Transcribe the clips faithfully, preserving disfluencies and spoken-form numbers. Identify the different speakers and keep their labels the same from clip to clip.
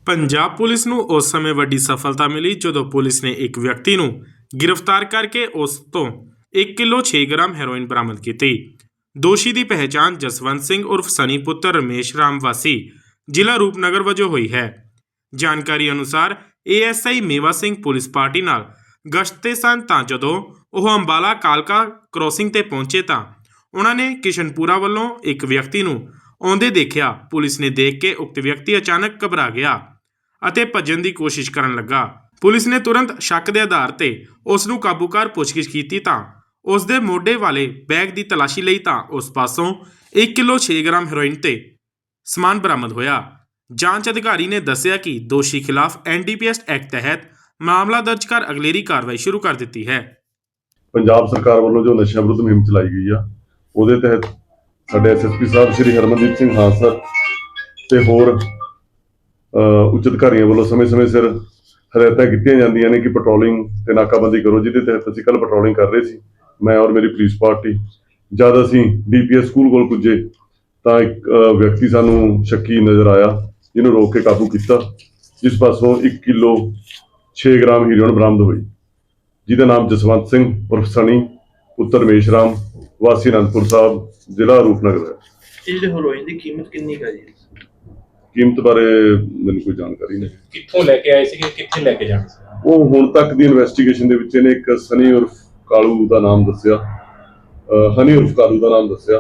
Speaker 1: Punjab police ਨੂੰ ਉਸ ਸਮੇਂ ਵੱਡੀ ਸਫਲਤਾ ਮਿਲੀ ਜਦੋਂ ਪੁਲਿਸ ਨੇ ਇੱਕ ਵਿਅਕਤੀ ਨੂੰ ਗ੍ਰਿਫਤਾਰ ਕਰਕੇ ਉਸ ਤੋਂ ਇੱਕ ਕਿਲੋ ਛੇ ਗ੍ਰਾਮ ਹੈਰੋਇਨ ਬਰਾਮਦ ਕੀਤੀ। ਦੋਸ਼ੀ ਦੀ ਪਹਿਚਾਣ ਜਸਵੰਤ ਸਿੰਘ ਉਰਫ ਸਨੀ ਪੁੱਤਰ ਰਮੇਸ਼ ਰਾਮ ਵਾਸੀ ਜ਼ਿਲ੍ਹਾ ਰੂਪਨਗਰ ਵਜੋਂ ਹੋਈ ਹੈ। ਜਾਣਕਾਰੀ ਅਨੁਸਾਰ A S I Mewa Singh police party ਨਾਲ ਗਸ਼ਤ ਤੇ ਸਨ ਤਾਂ ਜਦੋਂ ਉਹ ਅੰਬਾਲਾ ਕਾਲਕਾ ਕ੍ਰੋਸਿੰਗ ਤੇ ਪਹੁੰਚੇ ਤਾਂ ਉਹਨਾਂ ਨੇ ਕਿਸ਼ਨਪੁਰਾ ਵੱਲੋਂ ਇੱਕ ਵਿਅਕਤੀ ਨੂੰ ਆਉਂਦੇ ਦੇਖਿਆ। ਪੁਲਿਸ ਨੇ ਦੇਖ ਕੇ ਉਕਤ ਵਿਅਕਤੀ ਅਚਾਨਕ ਘਬਰਾ ਗਿਆ ਅਤੇ ਭੱਜਣ ਦੀ ਕੋਸ਼ਿਸ਼ ਕਰਨ ਲੱਗਾ। ਪੁਲਿਸ ਨੇ ਤੁਰੰਤ ਸ਼ੱਕ ਦੇ ਆਧਾਰ ਤੇ ਉਸ ਨੂੰ ਕਾਬੂ ਕਰ ਪੁੱਛਗਿੱਛ ਕੀਤੀ ਤਾਂ ਉਸ ਦੇ ਮੋਢੇ ਵਾਲੇ ਬੈਗ ਦੀ ਤਲਾਸ਼ੀ ਲਈ ਤਾਂ ਉਸ ਪਾਸੋਂ ਇੱਕ ਕਿਲੋ ਛੇ ਗ੍ਰਾਮ ਹੈਰੋਇਨ ਤੇ ਸਮਾਨ ਬਰਾਮਦ ਹੋਇਆ। ਜਾਂਚ ਅਧਿਕਾਰੀ ਨੇ ਦੱਸਿਆ ਕਿ ਦੋਸ਼ੀ ਖਿਲਾਫ N D P S act ਤਹਿਤ ਮਾਮਲਾ ਦਰਜ ਕਰ ਅਗਲੇਰੀ ਕਾਰਵਾਈ ਸ਼ੁਰੂ ਕਰ ਦਿੱਤੀ ਹੈ।
Speaker 2: ਪੰਜਾਬ ਸਰਕਾਰ ਵੱਲੋਂ ਜੋ ਨਸ਼ਿਆਂ ਵਿਰੁੱਧ ਮੁਹਿੰਮ ਚਲਾਈ ਗਈ ਆ ਉਹਦੇ ਤਹਿਤ ਸਾਡੇ S S P sahib Shri Harmandeep Singh Hansar ਤੇ ਹੋਰ ਉੱਚ ਅਧਿਕਾਰੀਆਂ ਵੱਲੋਂ ਸਮੇਂ-ਸਮੇਂ ਸਿਰ ਹਦਾਇਤਾਂ ਕੀਤੀਆਂ ਜਾਂਦੀਆਂ ਨੇ ਕਿ ਪੈਟਰੋਲਿੰਗ ਤੇ ਨਾਕਾਬੰਦੀ ਕਰੋ, ਜਿਹਦੇ ਤਹਿਤ ਅਸੀਂ ਕੱਲ੍ਹ ਪੈਟਰੋਲਿੰਗ ਕਰ ਰਹੇ ਸੀ ਮੈਂ ਔਰ ਮੇਰੀ ਪੁਲਿਸ ਪਾਰਟੀ। ਜਦ ਅਸੀਂ ਡੀ ਪੀ ਐਸ ਸਕੂਲ ਕੋਲ ਪੁੱਜੇ ਤਾਂ ਇੱਕ ਵਿਅਕਤੀ ਸਾਨੂੰ ਸ਼ੱਕੀ ਨਜ਼ਰ ਆਇਆ, ਜਿਹਨੂੰ ਰੋਕ ਕੇ ਕਾਬੂ ਕੀਤਾ, ਜਿਸ ਪਾਸੋਂ ਇੱਕ ਕਿਲੋ ਛੇ ਗ੍ਰਾਮ ਹੀਰੋਇਨ ਬਰਾਮਦ ਹੋਈ, ਜਿਹਦਾ ਨਾਮ ਜਸਵੰਤ ਸਿੰਘ ਉਰਫ ਸਨੀ ਪੁੱਤਰ ਰਮੇਸ਼ ਰਾਮ ਵਾਸੀ ਅਨੰਦਪੁਰ ਸਾਹਿਬ ਜ਼ਿਲ੍ਹਾ ਰੂਪਨਗਰ ਹੈ।
Speaker 3: ਇਹ ਜਿਹੜੇ ਹੈਰੋਇਨ ਦੀ ਕੀਮਤ ਕਿੰਨੀ ਹੈ ਜੀ?
Speaker 2: ਕੀਮਤ ਬਾਰੇ ਮੈਨੂੰ ਕੋਈ ਜਾਣਕਾਰੀ ਨਹੀਂ।
Speaker 4: ਕਿੱਥੋਂ ਲੈ ਕੇ ਆਏ ਸੀ, ਕਿੱਥੇ ਲੈ ਕੇ ਜਾਣਾ ਸੀ?
Speaker 2: ਉਹ ਹੁਣ ਤੱਕ ਦੀ ਇਨਵੈਸਟੀਗੇਸ਼ਨ ਦੇ ਵਿੱਚ ਇਹਨੇ ਇੱਕ ਸਨੀ ਉਰਫ ਕਾਲੂ ਦਾ ਨਾਮ ਦੱਸਿਆ, ਹਨੀ ਉਰਫ ਕਾਲੂ ਦਾ ਨਾਮ ਦੱਸਿਆ।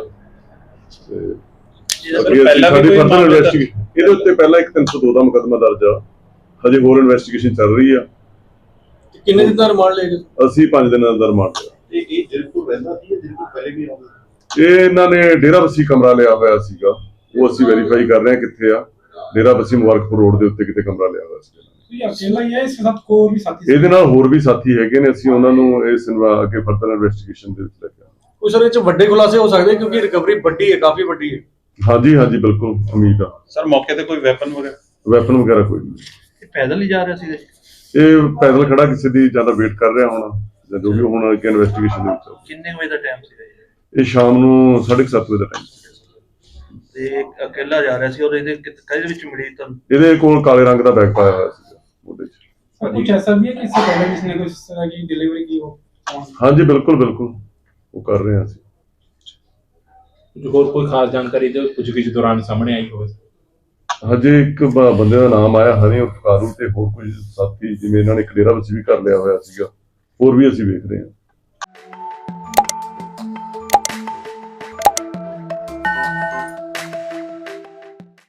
Speaker 2: ਇਹਦੇ ਉੱਤੇ ਪਹਿਲਾਂ ਇੱਕ ਤਿੰਨ ਸੌ ਦੋ ਦਾ ਮੁਕੱਦਮਾ ਦਰਜ ਆ, ਹਜੇ ਹੋਰ ਇਨਵੈਸਟੀਗੇਸ਼ਨ ਚੱਲ ਰਹੀ ਆ।
Speaker 3: ਕਿੰਨੇ ਦਿਨ ਦਾ ਰਿਮਾਂਡ ਲਏ ਗਏ?
Speaker 2: ਅਸੀਂ ਪੰਜ ਦਿਨਾਂ ਦਾ ਰਿਮਾਂਡ ਲਿਆ।
Speaker 5: ਇਹ ਇਹ ਜਰਪੁਰ ਰਹਿੰਦਾ ਸੀ, ਜਰਪੁਰ ਪਹਿਲੇ ਵੀ ਆਉਂਦਾ?
Speaker 2: ਇਹ ਇਹਨਾਂ ਨੇ ਡੇਰਾ ਬੱਸੀ ਕਮਰਾ ਲਿਆ ਹੋਇਆ ਸੀਗਾ, ਉਹ ਅਸੀਂ ਵੈਰੀਫਾਈ ਕਰ ਰਹੇ ਹਾਂ ਕਿੱਥੇ ਆ। ਡੇਰਾ ਬੱਸੀ ਮੁਬਾਰਕਪੁਰ ਰੋਡ ਦੇ ਉੱਤੇ ਕਿਤੇ ਕਮਰਾ ਲਿਆ ਹੋਇਆ ਸੀ।
Speaker 6: ਅਕੇਲਾ ਹੀ ਹੈ, ਇਸ ਸਾਥ ਕੋਈ ਵੀ ਸਾਥੀ?
Speaker 2: ਇਹਦੇ ਨਾਲ ਹੋਰ ਵੀ ਸਾਥੀ ਹੈਗੇ ਨੇ, ਅਸੀਂ ਉਹਨਾਂ ਨੂੰ ਇਸ ਅੱਗੇ ਫਰਦਰ ਇਨਵੈਸਟੀਗੇਸ਼ਨ ਦੇ ਵਿੱਚ ਲੈ ਕੇ ਆਵਾਂਗੇ।
Speaker 3: ਕੋਈ ਸਰ ਇਹ ਚ ਵੱਡੇ ਖੁਲਾਸੇ ਹੋ ਸਕਦੇ ਕਿਉਂਕਿ ਰਿਕਵਰੀ ਵੱਡੀ ਹੈ, ਕਾਫੀ ਵੱਡੀ ਹੈ।
Speaker 2: ਹਾਂਜੀ ਹਾਂਜੀ ਬਿਲਕੁਲ ਉਮੀਦ ਆ।
Speaker 5: ਸਰ ਮੌਕੇ ਤੇ ਕੋਈ ਵੈਪਨ ਵਗੈਰਾ?
Speaker 2: ਵੈਪਨ ਵਗੈਰਾ ਕੋਈ ਨਹੀਂ।
Speaker 3: ਇਹ ਪੈਦਲ ਹੀ ਜਾ ਰਿਹਾ ਸੀ?
Speaker 2: ਇਹ ਪੈਦਲ ਖੜਾ ਕਿਸੇ ਦੀ ਜ਼ਿਆਦਾ ਵੇਟ ਕਰ ਰਿਹਾ ਹੋਣਾ, ਜਾਂ ਜੋ ਵੀ ਹੁਣ ਅੱਗੇ ਇਨਵੈਸਟੀਗੇਸ਼ਨ ਦੇ ਵਿੱਚ।
Speaker 3: ਕਿੰਨੇ ਵਜੇ ਦਾ ਟਾਈਮ ਸੀ
Speaker 2: ਇਹ ਸ਼ਾਮ ਨੂੰ ਸਾਢੇ ਸੱਤ ਵਜੇ ਦਾ ਟਾਈਮ ਸੀ
Speaker 3: ਤੇ ਇਕੱਲਾ ਜਾ ਰਿਹਾ ਸੀ। ਔਰ ਇਹਦੇ ਕਿਹਦੇ ਵਿੱਚ ਮਿਲੀ ਤੁਹਾਨੂੰ?
Speaker 2: ਇਹਦੇ ਕੋਲ ਕਾਲੇ ਰੰਗ ਦਾ ਬੈਗ ਪਾਇਆ ਹੋਇਆ ਸੀ ਉਹਦੇ ਚ।
Speaker 6: कुछ ऐसा भी है कि इससे पहले किसी ने कुछ इस तरह की डिलीवरी की हो?
Speaker 2: ਹਾਂਜੀ ਬਿਲकुल ਬਿਲकुल ਉਹ ਕਰ ਰਹੇ ਹਾਂ ਅਸੀਂ।
Speaker 4: ਹੋਰ ਕੋਈ ਖਾਸ ਜਾਣਕਾਰੀ ਜੋ ਪੁੱਛਗਿੱਛ ਦੌਰਾਨ ਸਾਹਮਣੇ ਆਈ ਹੋਵੇ?
Speaker 2: ਹਜੇ ਇੱਕ ਬੰਦੇ ਦਾ ਨਾਮ ਆਇਆ ਹਨੀ ਉਰਫ ਕਾਲੂ, ਤੇ ਹੋਰ ਕੋਈ ਸਾਥੀ ਜਿਵੇਂ ਇਹਨਾਂ ਨੇ ਇੱਕ ਡੇਰਾ ਵਿੱਚ ਵੀ ਕਰ ਲਿਆ ਹੋਇਆ ਸੀਗਾ, ਹੋਰ ਵੀ ਅਸੀਂ ਵੇਖ ਰਹੇ ਹਾਂ।